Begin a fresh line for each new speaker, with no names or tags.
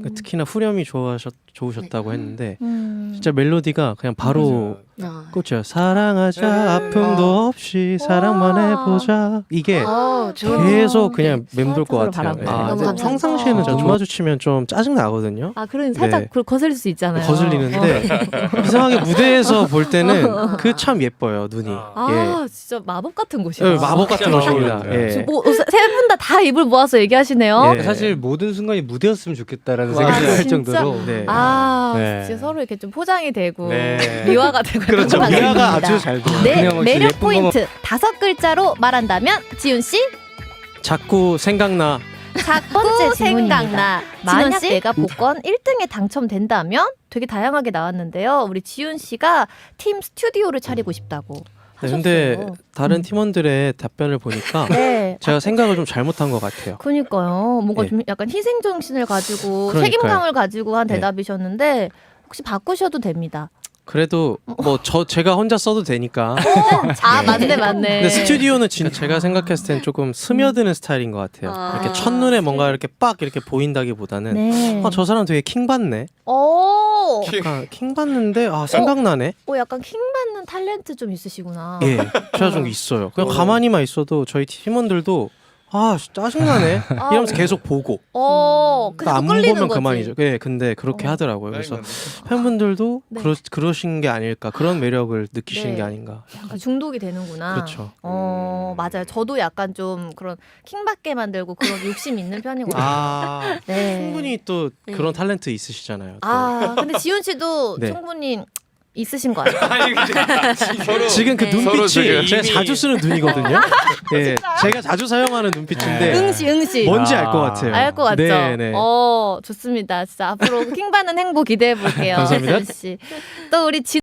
특히나 후렴이 좋으셨다고 했는데 진짜 멜로디가 그냥 바로 꽂혀요. 사랑하자 아픔도 없이 사랑만 해보자. 이게 계속 그냥 맴돌 것 같아요. 네.
너무 감사합니다.
평상시에는 눈 마주치면 좀 짜증 나거든요.
아, 그럼 살짝
네.
거슬릴 수 있잖아요.
거슬리는데 이상하게 무대에서 볼 때는 그 참 예뻐요 눈이.
아, 진짜 마법 같은 곳이다.
예. 마법 같은 곳입니다.
마법이에요.
예.
세분 다 입을 모아서 얘기하시네요.
예.
사실 모든 순간이 무대였으면 좋겠다라는
와,
생각을 할
진짜?
정도로
네.
아,
네.
진짜 서로 이렇게 좀 포장이 되고
네.
미화가 되고
그렇죠.
그런 것
미화가
같습니다.
아주 잘 돼요.
네,
그냥 혹시
매력
예쁜
포인트 5글자로 말한다면 지훈 씨?
자꾸 생각나.
자꾸 생각나. 만약
진원 씨?
내가 복권 1등에 당첨된다면 되게 다양하게 나왔는데요. 우리 지훈 씨가 팀 스튜디오를 차리고 싶다고
네,
하셨어요.
근데 다른 팀원들의 답변을 보니까
네.
제가 생각을 좀 잘못한 것 같아요.
그니까요. 뭔가
예.
좀 약간 희생 정신을 가지고
그러니까요.
책임감을 가지고 한
네.
대답이셨는데 혹시 바꾸셔도 됩니다.
그래도 뭐 제가 혼자 써도 되니까.
아,
네.
맞네.
근데 스튜디오는 제가 생각했을 땐 조금 스며드는 스타일인 것 같아요.
아.
이렇게 첫눈에 뭔가 이렇게 빡 이렇게 보인다기보다는
네.
저 사람 되게 킹 받네.
오,
약간 킹 받는데 생각나네.
약간 킹 받는 탤런트 좀 있으시구나.
예, 제가 좀 있어요. 그냥 가만히만 있어도 저희 팀원들도 짜증나네 이러면서 계속 보고
그래서
안
끌리는
보면
거지.
그만이죠. 예, 근데 그렇게 하더라고요. 그래서
네.
팬분들도
네.
그러신 게 아닐까, 그런 매력을 느끼시는
네.
게 아닌가.
약간 중독이 되는구나.
그렇죠.
맞아요. 저도 약간 좀 그런 킹받게 만들고 그런 욕심 있는 편이거든요. 네.
충분히 또 그런 탤런트 있으시잖아요. 또.
근데 지훈 씨도
네.
충분히 있으신 거 같아요.
지금 그
네.
서로
눈빛이
지금
제가
이미-
자주 쓰는 눈이거든요. 예, 제가 자주 사용하는 눈빛인데
응시.
뭔지 알 것 같아요.
알 것 같죠?
네, 네.
좋습니다. 진짜 앞으로 킹받는 행보 기대해 볼게요.
감사합니다.
지훈 씨. 또 우리